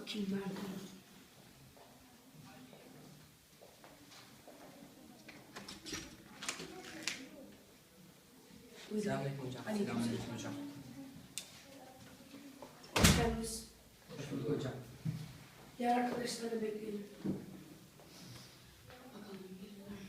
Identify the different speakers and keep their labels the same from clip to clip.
Speaker 1: Bakayım nerede? Buyurun.
Speaker 2: Selamünaleyküm hocam.
Speaker 1: Aleyküm
Speaker 2: Selamünaleyküm hocam.
Speaker 1: Hoş geldiniz.
Speaker 2: Hoş bulduk hocam.
Speaker 1: Diğer arkadaşları bekleyelim. Bakalım gelirler.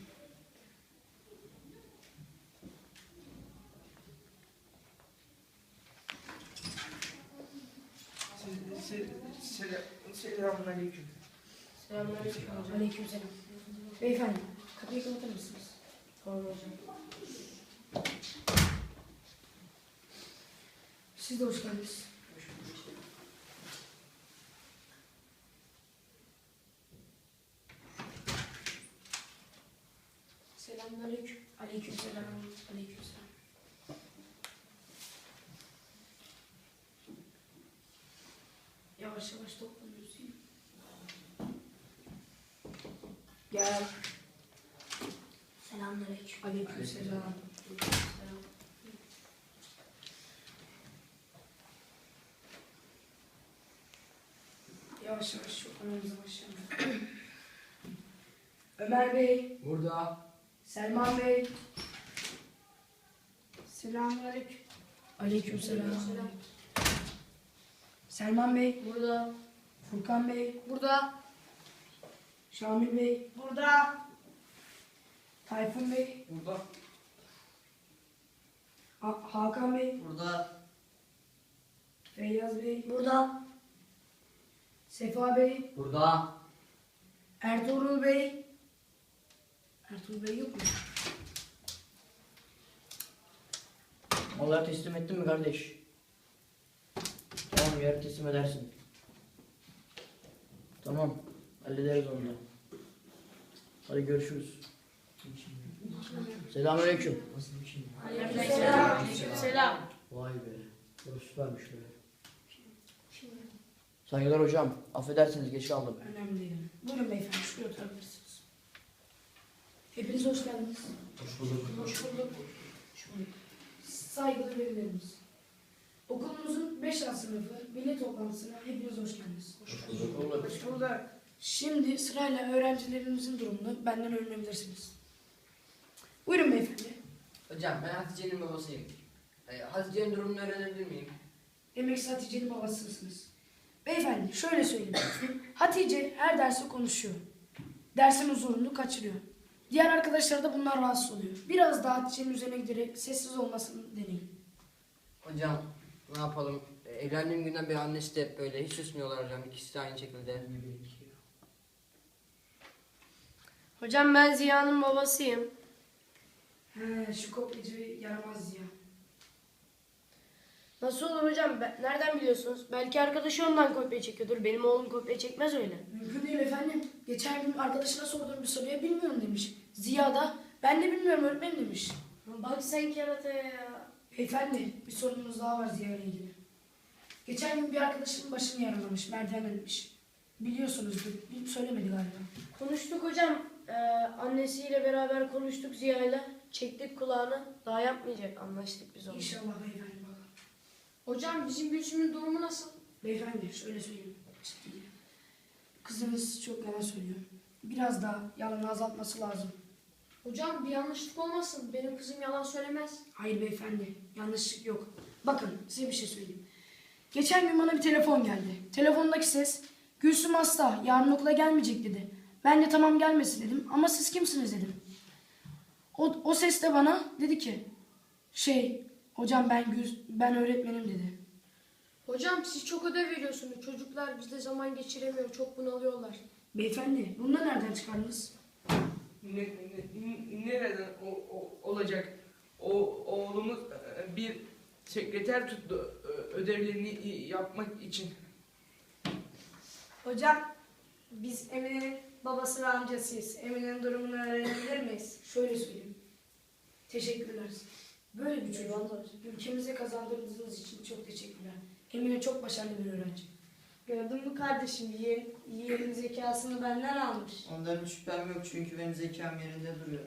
Speaker 3: Selamünaleyküm.
Speaker 1: Selamünaleyküm hocam. Aleykümselam. Beyefendi, kapıyı kapatır mısınız? Tamam hocam. Siz de hoş geldiniz. Selamünaleyküm. Aleykümselam. Aleykümselam. Yavaş yavaş toplanıyoruz. Değil mi? Gel. Selamünaleyküm. Aleykümselam. Aleykümselam. Yavaş yavaş çok önümüze başlayalım. Ömer Bey,
Speaker 2: Burada.
Speaker 1: Selman Bey. Selamünaleyküm. Aleykümselam. Selman Bey. Burada. Furkan Bey. Burada. Şamil Bey. Burada. Tayfun Bey.
Speaker 2: Burada.
Speaker 1: Hakan Bey.
Speaker 2: Burada.
Speaker 1: Feyyaz Bey. Burada. Sefa Bey.
Speaker 2: Burada.
Speaker 1: Ertuğrul Bey. Ertuğrul Bey yok mu?
Speaker 4: Malları teslim ettin mi kardeş? Tamam, yarın teslim edersin. Tamam, hallederiz onu da. Hadi görüşürüz. Selamünaleyküm.
Speaker 2: Nasıl bir şey?
Speaker 1: Selam.
Speaker 4: Vay be, burası süpermiş be. Saygılar hocam, affedersiniz geç kaldım.
Speaker 1: Önemli değil. Buyurun beyefendi, şuraya oturabilirsiniz. Hepiniz hoş geldiniz.
Speaker 2: Hoş bulduk.
Speaker 1: Hoş bulduk. Hoş bulduk. Saygılı velilerimiz. Okulumuzun 5. sınıfı veli toplantısına hepiniz hoş geldiniz.
Speaker 2: Hoş bulduk.
Speaker 1: Hoş bulduk. Şimdi sırayla öğrencilerimizin durumunu benden öğrenebilirsiniz. Buyurun beyefendi.
Speaker 2: Hocam ben Hatice'nin babasıyım. Hatice'nin durumunu öğrenebilir miyim?
Speaker 1: Demek siz Hatice'nin babasısınız. Beyefendi şöyle söyleyeyim. Hatice her dersi konuşuyor. Dersin huzurunu kaçırıyor. Diğer arkadaşlar da bunlar rahatsız oluyor. Biraz daha Hatice'nin üzerine giderek sessiz olmasını deneyin.
Speaker 2: Hocam ne yapalım? Evlendiğim günden beri annesi de hep böyle. Hiç susmuyorlar hocam. İkisi de aynı şekilde.
Speaker 5: Hocam ben Ziya'nın babasıyım.
Speaker 1: He, şu kopyacı yaramaz ya.
Speaker 5: Nasıl olur hocam? Nereden biliyorsunuz? Belki arkadaşı ondan kopya çekiyordur. Benim oğlum kopya çekmez öyle.
Speaker 1: Mümkün değil efendim. Geçen gün arkadaşına sorduğum bir soruya bilmiyorum demiş. Ziya da ben de bilmiyorum öğretmenim demiş.
Speaker 5: Bak sen kerataya ya.
Speaker 1: Beyefendi bir sorunumuz daha var Ziya ile ilgili. Geçen gün bir arkadaşının başını yaralamış, merdiven ölmüş. Biliyorsunuzdur, söylemedi galiba.
Speaker 5: Konuştuk hocam. Annesiyle beraber konuştuk Ziya'yla. Çektik kulağını. Daha yapmayacak. Anlaştık biz onunla.
Speaker 1: İnşallah beyefendi bakalım.
Speaker 5: Hocam bizim Gülsüm'ün durumu nasıl?
Speaker 1: Beyefendi şöyle söyleyeyim. Kızınız çok yalan söylüyor. Biraz daha yalanı azaltması lazım.
Speaker 5: Hocam bir yanlışlık olmasın. Benim kızım yalan söylemez.
Speaker 1: Hayır beyefendi, yanlışlık yok. Bakın size bir şey söyleyeyim. Geçen gün bana bir telefon geldi. Telefondaki ses, Gülsüm hasta, yarın okula gelmeyecek dedi. Ben de tamam gelmesin dedim ama siz kimsiniz dedim. O ses de bana dedi ki, hocam ben öğretmenim dedi.
Speaker 5: Hocam siz çok ödev veriyorsunuz. Çocuklar bizde zaman geçiremiyor. Çok bunalıyorlar.
Speaker 1: Beyefendi, bunu da nereden çıkardınız?
Speaker 3: Nereden olacak? Oğlumuz bir sekreter tuttu ödevlerini yapmak için.
Speaker 6: Hocam, biz Emine'nin babası ve amcasıyız. Emine'nin durumunu öğrenebilir miyiz?
Speaker 1: Şöyle söyleyeyim. Teşekkürler. Böyle bir çocuk ülkemize kazandırdığınız için çok teşekkürler. Emine çok başarılı bir öğrenci.
Speaker 6: Gördün mü kardeşim, yeğenin zekasını benden almış.
Speaker 4: Ondan hiç şüphem yok çünkü benim zekam yerinde duruyor.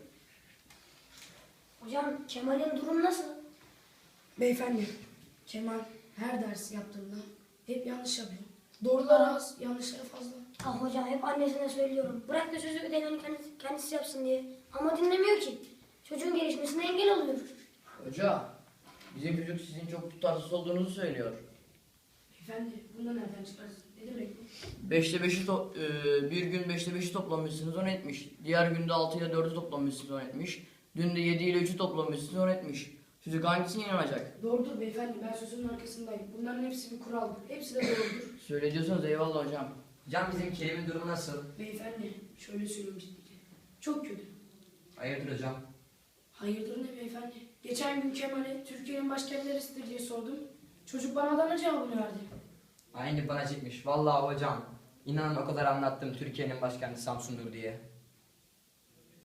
Speaker 6: Hocam, Kemal'in durum nasıl?
Speaker 1: Beyefendi, Kemal her ders yaptığında hep yanlış yapıyor. Doğrular az, yanlışları fazla.
Speaker 7: Ah hocam hep annesine söylüyorum. Bırak da çocuğu ödevlerini kendisi yapsın diye. Ama dinlemiyor ki. Çocuğun gelişmesine engel oluyor.
Speaker 4: Hoca, bizim çocuk sizin çok tutarsız olduğunuzu söylüyor.
Speaker 1: Beyefendi, bunu nereden çıkarsın? Ne demek bu?
Speaker 4: Bir gün 5'te 5'i toplamışsınız 10 etmiş. Diğer günde 6 ile 4'ü toplamışsınız 10 etmiş. Dün de 7 ile 3'ü toplamışsınız 10 etmiş. Çocuk hangisine inanacak?
Speaker 1: Doğrudur beyefendi, ben sözümün arkasındayım. Bunların hepsi bir kuraldır. Hepsi de doğrudur.
Speaker 4: Söyle diyorsanız eyvallah hocam.
Speaker 2: Hocam bizim Kerim'in durumu nasıl?
Speaker 1: Beyefendi, şöyle söyleyeyim ciddi. Çok kötü.
Speaker 2: Hayırdır hocam?
Speaker 1: Hayırdır ne beyefendi? Geçen gün Kemal'e Türkiye'nin başkenti neresidir diye sordum. Çocuk bana Adana cevabını verdi.
Speaker 2: Aynı bana çekmiş. Vallahi hocam. İnanın o kadar anlattım Türkiye'nin başkenti Samsun'dur diye.